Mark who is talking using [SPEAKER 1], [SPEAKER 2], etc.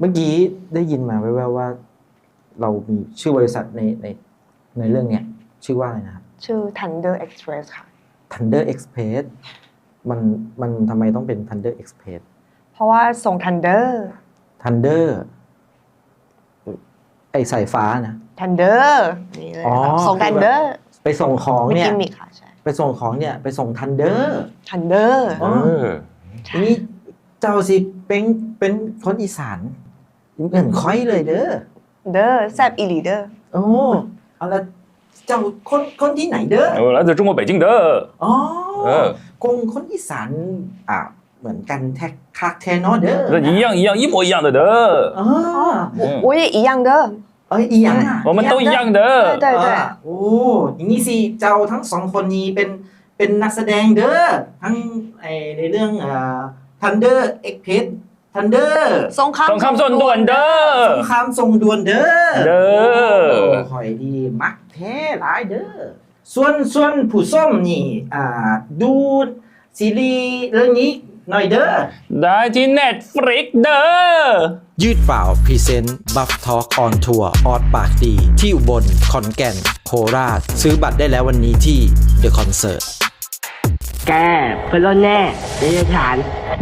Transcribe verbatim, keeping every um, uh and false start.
[SPEAKER 1] เมื่อกี้ได้ยินมาแว่วๆว่า เรามีชื่อบริษัทในในในเรื่องเนี้ยชื่อว่าอะไรนะครับ
[SPEAKER 2] ชื่อ Thunder Express ค่ะ
[SPEAKER 1] Thunder Express มันมันทำไมต้องเป็น Thunder Express
[SPEAKER 2] เพราะว่าส่ง Thunder
[SPEAKER 1] Thunder ไอสายฟ้านะ
[SPEAKER 2] Thunder นี่เลยค่ะส่ง Thunder
[SPEAKER 1] ไปส่งของเนี่ย
[SPEAKER 2] มีกิมมิคค่ะใช่
[SPEAKER 1] ไปส่งของเนี่ยไปส่ง Thunder
[SPEAKER 2] Thunder
[SPEAKER 1] อ๋อนี่เจ้าสิเป็นเป็นคนอีสานเหมือนค่อยเลยเด้อ
[SPEAKER 2] เด้อแซบอีหลีเด้อ
[SPEAKER 1] โอ้เอาละเจ้าคนคนที่ไหนเด้อ
[SPEAKER 3] 我来自中国北京的
[SPEAKER 1] อ๋อคงคนอีสานอ่ะเหมือนกันแท็กคักแทนอเด้อ
[SPEAKER 3] 一样一样一模一样的的
[SPEAKER 1] อ๋อ
[SPEAKER 2] 我也一样的
[SPEAKER 1] เอ้ยอีหยังอ่ะ
[SPEAKER 3] 我们都一样的
[SPEAKER 2] 对对
[SPEAKER 1] โอ้อย่างนี้สิเจ้าทั้งสองคนนี้เป็นเป็นนักแสดงเด้อทั้งไอในเรื่องอ่า Thunder Express Thunder
[SPEAKER 2] สงคราม
[SPEAKER 3] สงครามส่งด่วนเด้อ
[SPEAKER 1] สงครามส่งด่วนเด้อ
[SPEAKER 3] เด้อ
[SPEAKER 1] คอยดีมักแท้หลายเด้อส่วนส่วนผู้ส้มนี่อ่าดูซีรีส์เรื่องนี้หน่อยเด้อ
[SPEAKER 3] ได้ที่ Netflix เด้อ
[SPEAKER 1] ยืดเปล่าพรีเซนต์บัฟทอล์กออนทัวร์ออดปากดีที่อุบลขอนแก่นโคราชซื้อบัตรได้แล้ววันนี้ที่เดอะคอนเสิร์ต
[SPEAKER 4] แกเพื่อนรอดแน่เดี๋ยวจะฐาน